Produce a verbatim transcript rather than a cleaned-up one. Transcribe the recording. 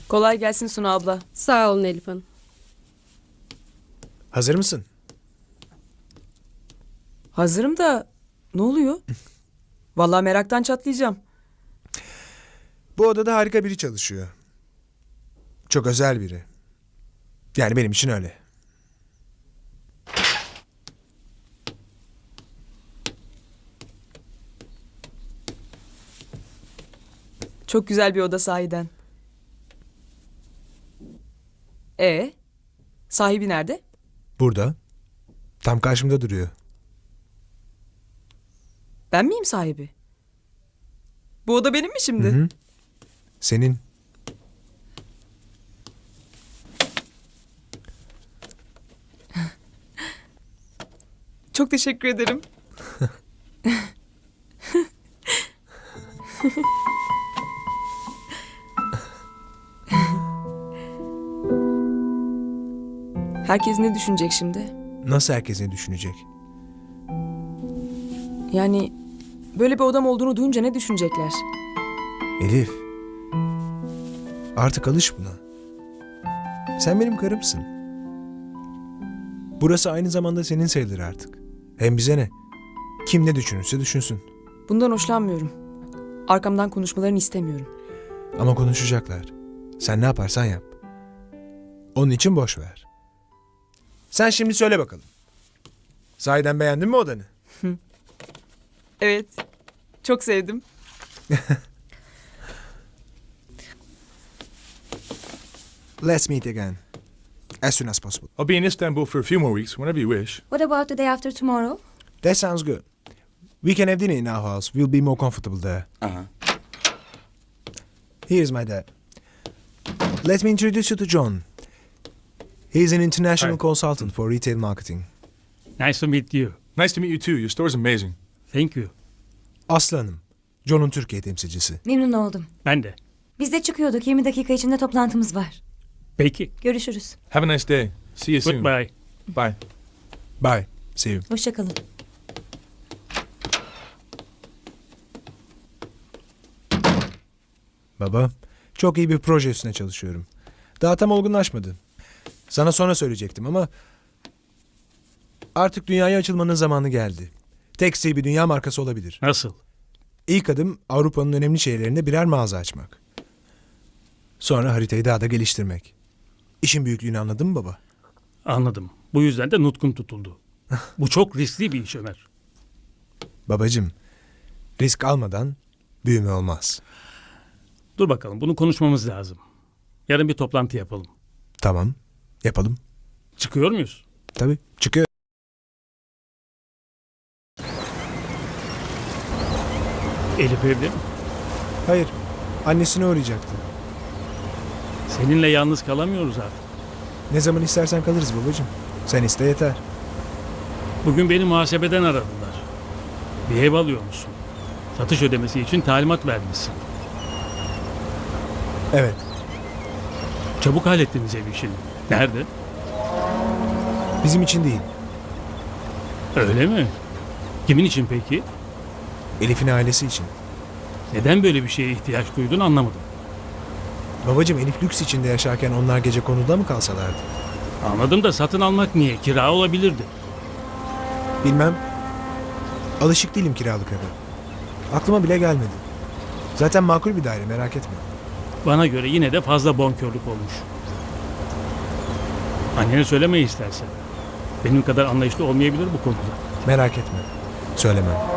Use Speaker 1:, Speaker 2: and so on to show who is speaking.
Speaker 1: Kolay gelsin Suna abla.
Speaker 2: Sağ olun Elif Hanım.
Speaker 3: Hazır mısın?
Speaker 1: Hazırım da ne oluyor? Vallahi meraktan çatlayacağım.
Speaker 3: Bu odada harika biri çalışıyor. Çok özel biri. Yani benim için öyle.
Speaker 1: Çok güzel bir oda sahiden. E sahibi nerede?
Speaker 3: Burada. Tam karşımda duruyor.
Speaker 1: Ben miyim sahibi? Bu oda benim mi şimdi?
Speaker 3: Hı hı. Senin.
Speaker 1: Çok teşekkür ederim. Herkes ne düşünecek şimdi?
Speaker 3: Nasıl herkes ne düşünecek?
Speaker 1: Yani böyle bir odam olduğunu duyunca ne düşünecekler?
Speaker 3: Elif. Artık alış buna. Sen benim karımsın. Burası aynı zamanda senin sayılır artık. Hem bize ne? Kim ne düşünürse düşünsün.
Speaker 1: Bundan hoşlanmıyorum. Arkamdan konuşmalarını istemiyorum.
Speaker 3: Ama konuşacaklar. Sen ne yaparsan yap. Onun için boş ver. Sen şimdi söyle bakalım. Sahiden beğendin mi odanı?
Speaker 1: Evet. Çok sevdim.
Speaker 3: Let's meet again. As soon as possible.
Speaker 4: I'll be in Istanbul for a few more weeks, whenever you wish.
Speaker 5: What about the day after tomorrow?
Speaker 3: That sounds good. We can have dinner in our house. We'll be more comfortable there.
Speaker 4: Uh-huh.
Speaker 3: Here's my dad. Let me introduce you to John. He's an international
Speaker 4: Hi.
Speaker 3: consultant for retail marketing.
Speaker 6: Nice to meet you.
Speaker 4: Nice to meet you too. Your store's amazing.
Speaker 6: Thank you.
Speaker 3: Aslı Hanım, John'un Türkiye temsilcisi.
Speaker 5: Memnun oldum.
Speaker 6: Ben de.
Speaker 5: Biz de çıkıyorduk. yirmi dakika içinde toplantımız var.
Speaker 6: Peki.
Speaker 5: Görüşürüz.
Speaker 4: Have a nice day. See you soon.
Speaker 6: Goodbye.
Speaker 4: Bye.
Speaker 3: Bye. See you.
Speaker 5: Hoşça kalın.
Speaker 3: Baba, çok iyi bir proje üstüne çalışıyorum. Daha tam olgunlaşmadı. Sana sonra söyleyecektim ama artık dünyaya açılmanın zamanı geldi. Tekstil bir dünya markası olabilir.
Speaker 6: Nasıl?
Speaker 3: İlk adım Avrupa'nın önemli şehirlerinde birer mağaza açmak. Sonra haritayı daha da geliştirmek. İşin büyüklüğünü anladın mı baba?
Speaker 6: Anladım. Bu yüzden de nutkun tutuldu. Bu çok riskli bir iş Ömer.
Speaker 3: Babacım, risk almadan büyüme olmaz.
Speaker 6: Dur bakalım, bunu konuşmamız lazım. Yarın bir toplantı yapalım.
Speaker 3: Tamam, yapalım.
Speaker 6: Çıkıyor muyuz?
Speaker 3: Tabii, çıkıyor.
Speaker 6: Elif evde mi?
Speaker 3: Hayır, annesine uğrayacaktı.
Speaker 6: Seninle yalnız kalamıyoruz artık.
Speaker 3: Ne zaman istersen kalırız babacım. Sen iste yeter.
Speaker 6: Bugün beni muhasebeden aradılar. Bir ev alıyor musun? Satış ödemesi için talimat vermişsin.
Speaker 3: Evet,
Speaker 6: Çabuk hallettiniz ev işini. Nerede?
Speaker 3: bizim için değil.
Speaker 6: Öyle mi? Kimin için peki?
Speaker 3: Elif'in ailesi için.
Speaker 6: Neden böyle bir şeye ihtiyaç duydun anlamadım.
Speaker 3: Babacım Elif lüks içinde yaşarken onlar gece konuda mı kalsalardı?
Speaker 6: Anladım da satın almak niye? Kira olabilirdi.
Speaker 3: Bilmem. Alışık değilim kiralık eve. Aklıma bile gelmedi. Zaten makul bir daire, merak etme.
Speaker 6: Bana göre yine de fazla bonkörlük olmuş. Annene söyleme istersen. Benim kadar anlayışlı olmayabilir bu konuda.
Speaker 3: Merak etme. Söylemem.